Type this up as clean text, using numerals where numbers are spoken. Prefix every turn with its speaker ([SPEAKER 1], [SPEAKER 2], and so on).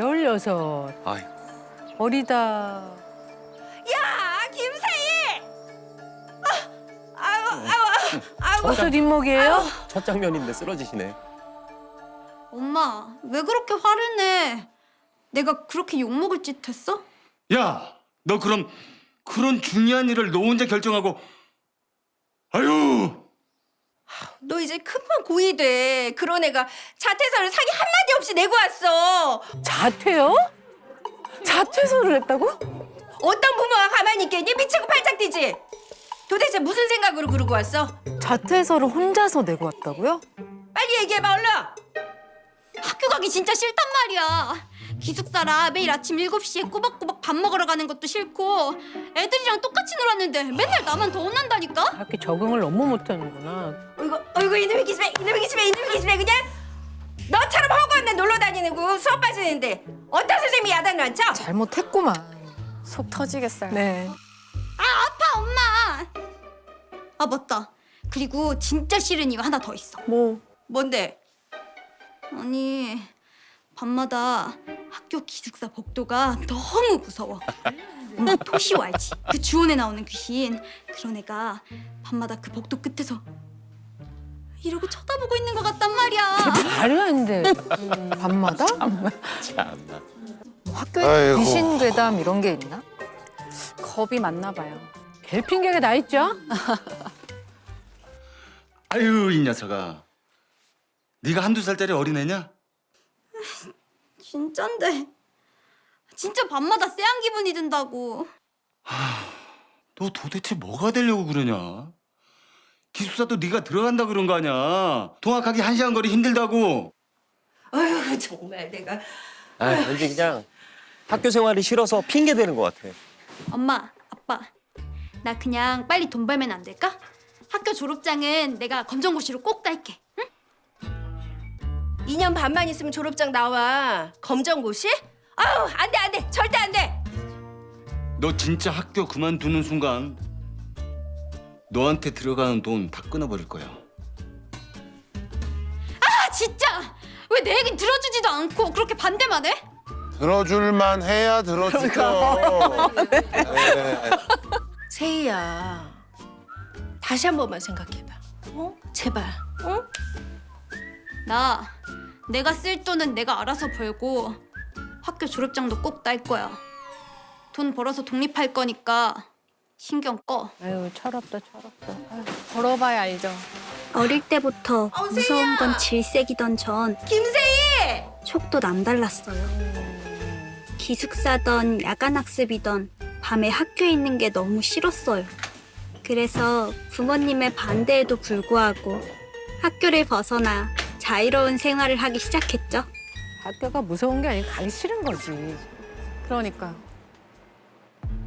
[SPEAKER 1] 16.
[SPEAKER 2] 아이고.
[SPEAKER 1] 어리다.
[SPEAKER 3] 야, 김세희! 아이고.
[SPEAKER 1] 벌써 뒷목이에요?
[SPEAKER 2] 첫 장면인데 쓰러지시네.
[SPEAKER 4] 엄마, 왜 그렇게 화를 내? 내가 그렇게 욕먹을 짓 했어?
[SPEAKER 5] 야, 너 그럼 그런 중요한 일을 너 혼자 결정하고 아유,
[SPEAKER 3] 너 이제 금방 고이 돼. 그런 애가 자퇴서를 상의 한마디 없이 내고 왔어.
[SPEAKER 1] 자퇴요? 자퇴서를 했다고?
[SPEAKER 3] 어떤 부모가 가만히 있겠니? 미치고 팔짝 뛰지. 도대체 무슨 생각으로 그러고 왔어?
[SPEAKER 1] 자퇴서를 혼자서 내고 왔다고요?
[SPEAKER 3] 빨리 얘기해봐, 얼른.
[SPEAKER 4] 학교 가기 진짜 싫단 말이야. 기숙사라 매일 아침 7시에 꼬박꼬박 밥 먹으러 가는 것도 싫고 애들이랑 똑같이 놀았는데 맨날 나만 더 혼난다니까?
[SPEAKER 1] 이렇게 적응을 너무 못하는구나.
[SPEAKER 3] 어이구, 이놈의 기집애 그냥 너처럼 허구한 데 놀러 다니는 거 수업 빠지는데 어떤 선생님이 야단을 안 쳐?
[SPEAKER 1] 잘못했구만.
[SPEAKER 6] 속 터지겠어요.
[SPEAKER 1] 네.
[SPEAKER 4] 아파 엄마. 아 맞다. 그리고 진짜 싫은 이유 하나 더 있어.
[SPEAKER 3] 뭔데?
[SPEAKER 4] 아니 밤마다 학교 기숙사 복도가 너무 무서워. 엄마 토시오 알지? 그 주원에 나오는 귀신. 그런 애가 밤마다 그 복도 끝에서 이러고 쳐다보고 있는 것 같단 말이야.
[SPEAKER 1] 말이 안 돼. 밤마다?
[SPEAKER 2] 참나.
[SPEAKER 1] 학교에
[SPEAKER 7] 아이고.
[SPEAKER 1] 귀신 괴담 이런 게 있나?
[SPEAKER 6] 겁이 많나 봐요.
[SPEAKER 1] 별 핑계가 다 있죠?
[SPEAKER 5] 아유 이 녀석아. 네가 한두 살짜리 어린애냐?
[SPEAKER 4] 진짠데. 진짜 밤마다 쎄한 기분이 든다고.
[SPEAKER 5] 너 도대체 뭐가 되려고 그러냐? 기숙사도 네가 들어간다 그런 거 아니야. 통학하기 1시간 거리 힘들다고.
[SPEAKER 3] 어휴, 정말 내가.
[SPEAKER 2] 아, 왠지 그냥 학교 생활이 싫어서 핑계 대는 것 같아.
[SPEAKER 4] 엄마, 아빠, 나 그냥 빨리 돈 벌면 안 될까? 학교 졸업장은 내가 검정고시로 꼭 딸게. 응?
[SPEAKER 3] 2년 반만 있으면 졸업장 나와. 검정고시? 아우, 안 돼. 절대 안 돼.
[SPEAKER 5] 너 진짜 학교 그만두는 순간 너한테 들어가는 돈 다 끊어버릴 거야.
[SPEAKER 4] 아 진짜! 왜 내 얘긴 들어주지도 않고 그렇게 반대만 해?
[SPEAKER 7] 들어줄만 해야 들어주죠. 네.
[SPEAKER 3] 세희야, 다시 한 번만 생각해봐. 제발.
[SPEAKER 4] 나 내가 쓸 돈은 내가 알아서 벌고 학교 졸업장도 꼭 딸 거야. 돈 벌어서 독립할 거니까 신경 꺼.
[SPEAKER 1] 아유, 철없다. 아유.
[SPEAKER 6] 걸어봐야 알죠.
[SPEAKER 4] 어릴 때부터 무서운 건 질색이던 전
[SPEAKER 3] 김세희!
[SPEAKER 4] 촉도 남달랐어요. 기숙사던 야간 학습이던 밤에 학교에 있는 게 너무 싫었어요. 그래서 부모님의 반대에도 불구하고 학교를 벗어나 자유로운 생활을 하기 시작했죠.
[SPEAKER 1] 학교가 무서운 게 아니고 가기 싫은 거지.
[SPEAKER 6] 그러니까